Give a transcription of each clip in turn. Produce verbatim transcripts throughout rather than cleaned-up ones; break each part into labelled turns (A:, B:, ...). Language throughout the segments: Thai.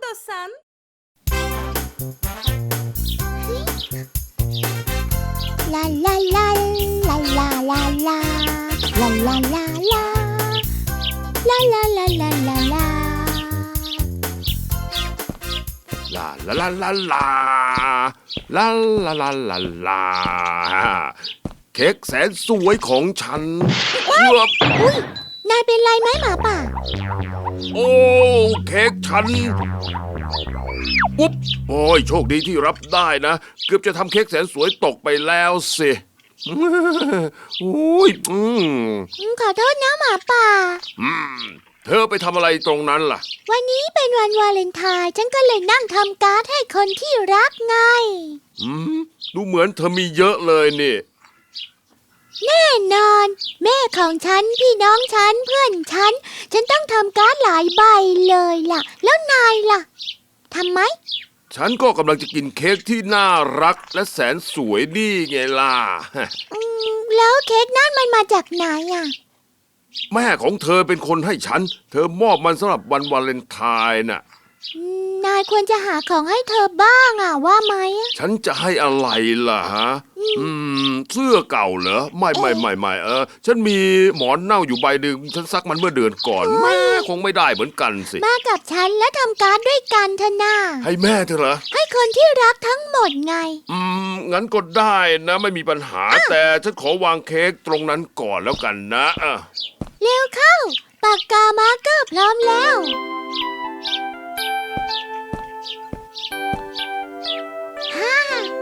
A: istiyorsan.
B: La la la la la la la la la la la la la la la la la
C: ลาลาลาลาลาลาลาลาลาลาเค้กแสนสวยของฉันเกือบ
B: อุ้ยนายเป็นไรไหมหมาป่า
C: โอ้เค้กฉันอุ๊บโอ้ยโชคดีที่รับได้นะเกือบจะทำเค้กแสนสวยตกไปแล้วสิโอ้ยอืม
B: ขอโทษนะหมาป่า
C: อืมเธอไปทำอะไรตรงนั้นล่ะ
B: วันนี้เป็นวันวาเลนไทน์ฉันก็เลยนั่งทำการ์ดให้คนที่รักไง
C: อืมดูเหมือนเธอมีเยอะเลยนี่
B: แน่นอน แม่ของฉันพี่น้องฉันเพื่อนฉันฉันต้องทำการ์ดหลายใบเลยล่ะ แล้วนายล่ะทำไหม
C: ฉันก็กำลังจะกินเค้กที่น่ารักและแสนสวยนี่ไงล่ะ
B: อืมแล้วเค้กนั่นมันมาจากไหนอ่ะ
C: แม่ของเธอเป็นคนให้ฉัน เธอมอบมันสำหรับวันวาเลนไทน์น่ะ
B: อืมนายควรจะหาของให้เธอบ้างอ่ะว่าไหมอะ
C: ฉันจะให้อะไรล่ะฮะ อืม เสื้อเก่าเหรอ ไม่ไม่ไม่ไม่เออ ฉันมีหมอนเน่าอยู่ใบหนึ่งฉันซักมันเมื่อเดือนก่อน แม่คงไม่ได้เหมือนกันสิ
B: มากับฉันแล้วทำการ์ดด้วยกันเถอะนา
C: ให้แม่เธอเหรอ
B: ให้คนที่รักทั้งหมดไง
C: อืม งั้นก็ได้นะ ไม่มีปัญหา แต่ฉันขอวางเค้กตรงนั้นก่อนแล้วกันนะอ่ะ
B: เร็วเข้า ปากกามาร์กเกอร์พร้อมแล้วฮ่า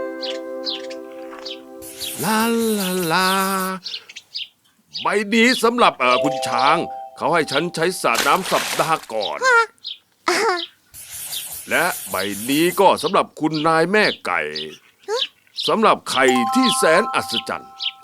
C: ลาลาลาใบนี้สำหรับเออคุณช้าง เขาให้ฉันใช้สระน้ำสัปดาห์ก่อน และใบนี้ก็สำหรับคุณนายแม่ไก่สำหรับไข่ที่แสนอัศจรรย์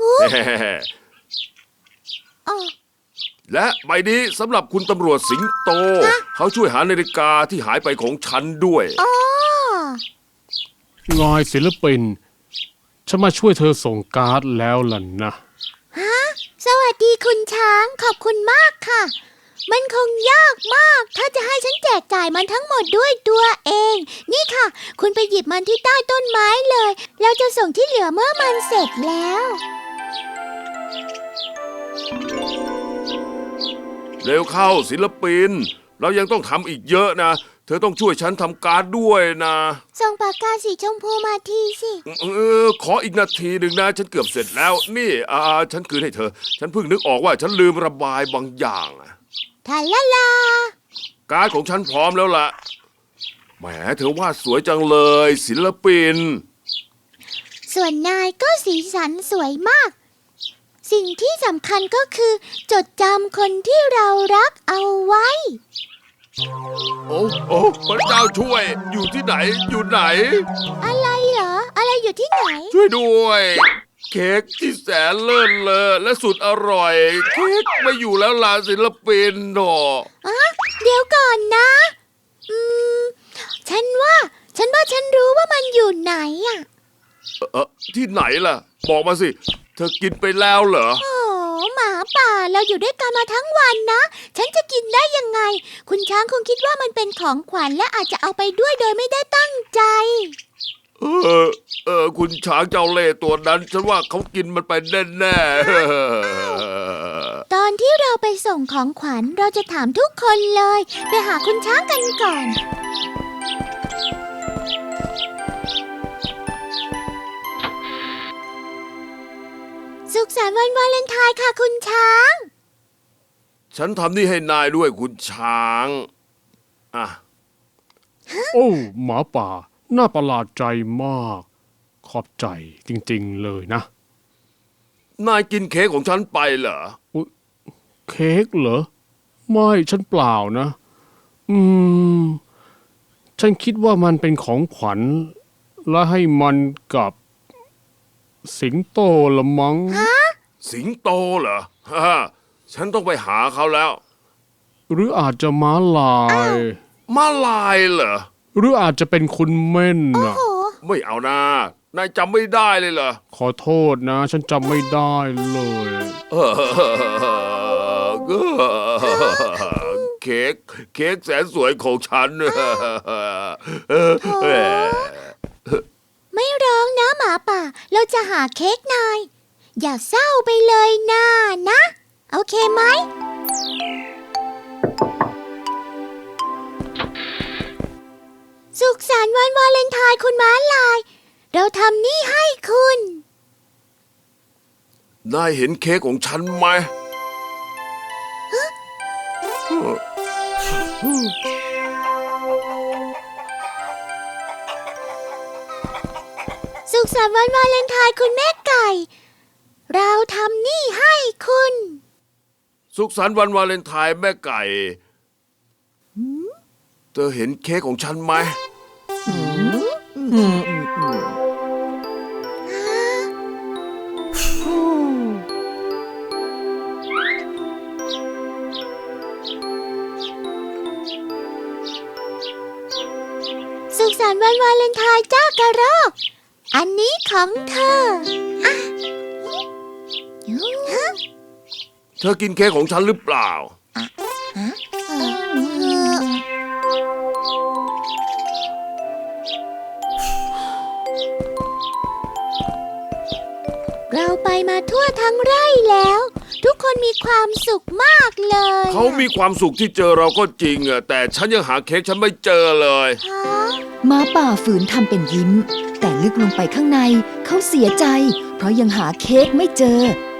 B: อ๋อ
C: และใบนี้สำหรับคุณตำรวจสิงโต เขาช่วยหานาฬิกาที่หายไปของฉันด้วย
B: อ๋อ
D: งอยศิลปิน ฉันมาช่วยเธอส่งการ์ดแล้วล่ะนะ
B: ฮะ สวัสดีคุณช้างขอบคุณมากค่ะ มันคงยากมาก ถ้าจะให้ฉันแจกจ่ายมันทั้งหมดด้วยตัวเอง นี่ค่ะ คุณไปหยิบมันที่ใต้ต้นไม้เลย เราจะส่งที่เหลือเมื่อมันเสร็จแล้ว
C: เร็วเข้าศิลปิน เรายังต้องทำอีกเยอะนะ เธอต้องช่วยฉันทำการ์ดด้วยนะ
B: ส่งปากกาสีชมพูมาทีสิ
C: เออขออีกนาทีหนึ่งนะ ฉันเกือบเสร็จแล้ว นี่อ่าฉันคืนให้เธอ ฉันเพิ่งนึกออกว่าฉันลืมระบายบางอย่างอะ
B: ทาลาลา
C: การ์ดของฉันพร้อมแล้วล่ะแหมเธอวาดสวยจังเลยศิลปิน
B: ส่วนนายก็สีสันสวยมาก สิ่งที่สำคัญก็คือ จดจำคนที่เรารักเอาไว้
C: โอ้โอ้พระเจ้าช่วย อยู่ที่ไหน อยู่ไหน
B: อะไรเหรอ อะไรอยู่ที่ไหน
C: ช่วยด้วย เค้กที่แสนเลิศเลอและสุดอร่อย เค้กไม่อยู่แล้วล่ะศิลปินหนอ
B: อะเดี๋ยวก่อนนะ อืม ฉันว่า ฉันว่าฉันรู้ว่ามันอยู่ไหนอ่ะ
C: เออที่ไหนล่ะ บอกมาสิ เธอกินไปแล้วเหรอ
B: โอ้หมาป่าเราอยู่ด้วยกันมาทั้งวันนะ ฉันจะกินได้ยังไง คุณช้างคงคิดว่ามันเป็นของขวัญและอาจจะเอาไปด้วยโดยไม่ได้ตั้งใจ
C: เออ เออ คุณช้างเจ้าเล่ห์ตัวนั้น ฉันว่าเขากินมันไปแน่ๆ
B: ตอนที่เราไปส่งของขวัญเราจะถามทุกคนเลย ไปหาคุณช้างกันก่อน สุขสันต์วันวาเลนไทน์ค่ะคุณช้าง
C: ฉันทำนี่ให้นายด้วยคุณช้าง อ่ะ
D: โอ้หมาป่า น่าประหลาดใจมาก ขอบใจจริงๆเลยนะ
C: นายกินเค้กของฉันไปเหรอ
D: เค้กเหรอ ไม่ฉันเปล่านะ อืม ฉันคิดว่ามันเป็นของขวัญ และให้มันกับ สิงโตละมัง้ง
C: สิงโตเหรอฮ่าฉันต้องไปหาเขาแล้ว
D: หรืออาจจะม้าลาย
C: มาลายเหรอ
D: หรืออาจจะเป็นคุณเม่นนะ
B: โอ้
C: ไม่เอานะ นายจำไม่ได้เลยเหรอ
D: ขอโทษนะ ฉันจำไม่ได้เลย
C: เออเค้กเค้กแสนสวยของฉัน
B: ไม่ร้องนะหมาป่า เราจะหาเค้กนาย อย่าเศร้าไปเลยนะนะ โอเคไหม สุขสันต์วันวาเลนไทน์คุณม้าลาย เราทำนี่ให้คุณ
C: นายเห็นเค้กของฉันไหม
B: สุขสันต์วันวาเลนไทน์คุณแม่ไก่ เราทำนี่ให้คุณ
C: สุขสันต์วันวาเลนไทน์แม่ไก่ เธอเห็นเค้กของฉันไหม
B: สุขสันต์วันวาเลนไทน์จ้ากระรอก อันนี้ของเธออ่ะฮะ
C: เธอกินเค้กของฉันหรือเปล่า
B: เอ่อเราไปมาทั่วทั้งไร่แล้ว ทุกคนมีความสุขมากเลย
C: เขามีความสุขที่เจอเราก็จริงอะแต่ฉันยังหาเค้กฉันไม่เจอเลย
B: ฮะ
A: ม้าป่าฝืนทำเป็นยิ้ม แต่ลึกลงไปข้างในเขาเสียใจ เพราะยังหาเค้กไม่เจอ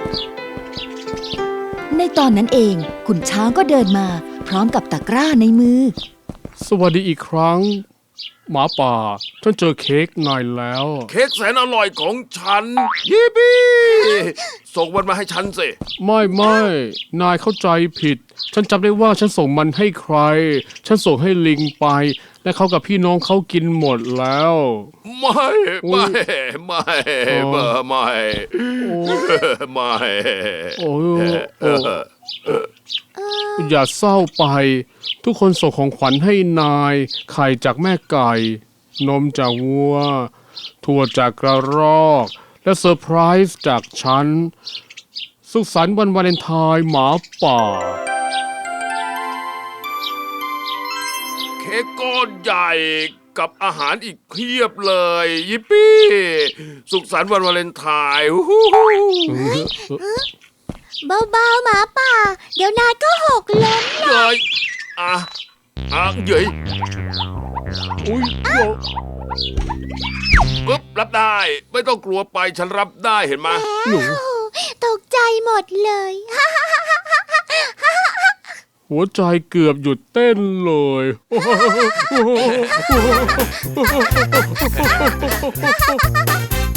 A: ในตอนนั้นเองขุนช้างก็เดินมา พร้อมกับตะกร้าในมือ
D: สวัสดีอีกครั้ง หมาป่า ฉันเจอเค้กนายแล้ว
C: เค้กแสนอร่อยของฉัน ยิปปี้ส่งมันมาให้ฉันสิ
D: ไม่ไม่นายเข้าใจผิด ฉันจำได้ว่าฉันส่งมันให้ใคร ฉันส่งให้ลิงไป และเขากับพี่น้องเขากินหมดแล้ว
C: ไม่
D: อุ๊
C: ไม่
D: ย
C: ไม่
D: อ๋อ
C: ไม่ไม่
D: โอ้
C: ไม่
D: โอ้โอ้อย่าเศร้าไป ทุกคนส่งของขวัญให้นาย ไข่จากแม่ไก่ นมจากวัว ถั่วจากกระรอก และเซอร์ไพรส์จากฉัน สุขสันต์วันวาเลนไทน์หมาป่า
C: เค้กก้อนใหญ่กับอาหารอีกเพียบเลย ยิปปี้ สุขสันต์วันวาเลนไทน์ฮู้ฮู้
B: เบาๆหมาป่า เดี๋ยวนายก็หกล้ม
C: เย้ยอ่ะอ่ะเย้ย
D: อุ้ยโอ้
C: ปึ๊บรับได้ ไม่ต้องกลัวไปฉันรับได้เห็นไหม
D: หนู
B: แล้วตกใจหมดเลย
D: หัวใจเกือบหยุดเต้นเลย